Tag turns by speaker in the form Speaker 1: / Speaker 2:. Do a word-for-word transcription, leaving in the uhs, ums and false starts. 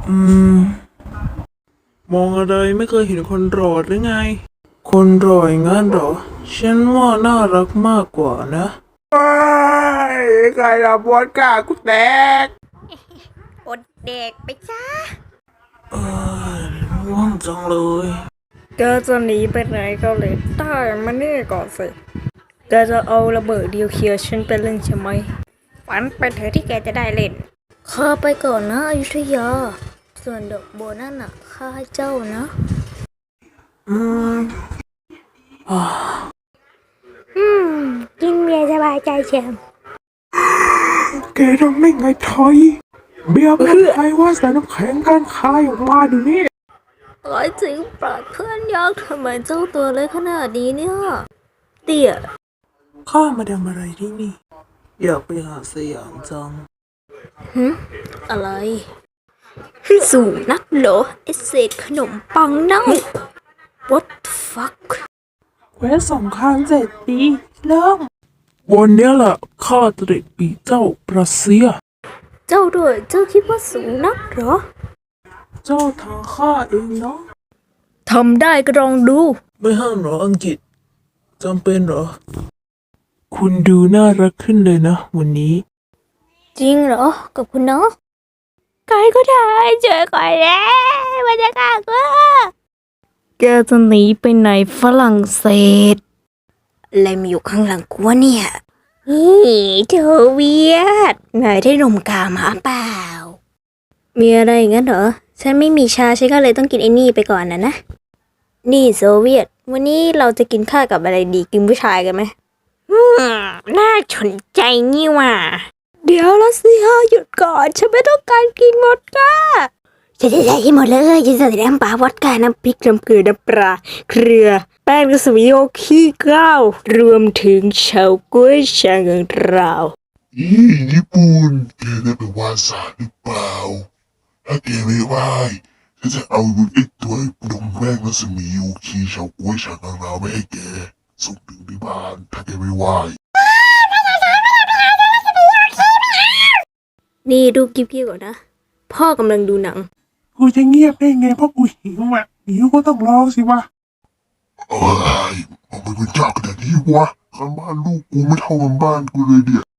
Speaker 1: อืมมองอะไรไม่เคยเห็นคนรอดหรือไงคนรออย่างนั้นเหรอฉันว่าน่ารักมากกว่านะไอ้ใครทำวอดก้ากูแตก
Speaker 2: อดเด็กไปจ้า
Speaker 1: เออง่วงจังเลย
Speaker 3: แกจะหนีไปไหนก็เลยได้มานี่ก่อนสิแกจะเอาระเบิดนิวเคลียร์ฉันไปเล่นใช่ไหม
Speaker 2: ฝันไปเถอะที่แกจะได้เล่น
Speaker 3: ข้าไปก่อนนะอยุธยาส่วนดอกบัวนั่นน่ะข้าให้เจ้านะ
Speaker 1: อืมอ่า
Speaker 2: อืมกินเบียร์สบายใจเชียว
Speaker 1: แกทำได้ไงทอยเบียร์เพื่อนใครว่าใส่น้ำแข็งกันคายออกมาดูนี่
Speaker 3: ร้อยจริงปราดเพื่อนยักษ์ทำไมเจ้าตัวเล็กขนาดนี้เนี่ยเตี่ย
Speaker 1: ข้ามาทำอะไรที่นี่อยากไปหาสยามจัง
Speaker 3: ฮึอะไรสูงนักเหรอไอเศษขนมปังเน่า What the fuck
Speaker 1: เวทสงครามเจ็ดปีเริ่มวันนี้แหละข้าจะได้ปีเจ้าประเซีย
Speaker 3: เจ้าด้วยเจ้าคิดว่าสูงนักเหรอ
Speaker 1: เจ้าทางข้าเองเนาะ
Speaker 3: ทำได้ก็ลองดู
Speaker 1: ไม่ห้ามหรออังกฤษจำเป็นเหรอคุณดูน่ารักขึ้นเลยนะวันนี้
Speaker 3: จริงเหรอกับคุณเนาะ
Speaker 2: ใครก็ได้ช่วยก่อนแล้วมันจะฆ่ากู
Speaker 3: แกจะหนีไปไหนฝรั่งเศส
Speaker 2: อะไรมาอยู่ข้างหลังกูวะเนี่ยเฮ้ยเธอเวียดนายได้นมกามาเปล่า
Speaker 3: มีอะไรอย่างนั้นเหรอฉันไม่มีชาฉันก็เลยต้องกินไอ้นี่ไปก่อนนะนะนี่โซเวียตวันนี้เราจะกินข้าวกับอะไรดีกินผู้ชายกันไหม
Speaker 2: อืมน่าสนใจนี่ว่ะ
Speaker 3: เดี๋ยวละสิฮะหยุดก่อนฉันไม่ต้องการกินหมดก้า
Speaker 2: จะจะใส่ให้หมดเลยจะใส่น้ำปลาวอดก้าน้ำพริกน้ำเกลือน้ำปลาเกลือ
Speaker 3: แป้งกระสุนโยขี้ก้าวรวมถึงเฉาก๊วยชาของเรา
Speaker 4: อีญี่ปุ่นแกได้ไปวาดสารหรือเปล่าถ้าแกไม่ไหวฉันจะเอาไอ้ตัวดมแป้งรัศมียูคีเฉาก๊วยชาของเราไม่ให้แกส่งถึงที่บ้านถ้าแกไม่ไหว
Speaker 3: นี่ดูกิ๊บกี้ก่อนนะพ่อกำลังดูหนัง
Speaker 1: กูจะเงียบได้ไงเพราะกูหิวอ่ะหิวก็ต้องรอสิวะ
Speaker 4: เอ้ยมันเป็นเจ้าขนาดนี้วะข้างบ้านลูกกูไม่เท่ากันบ้านกูเลยเดีย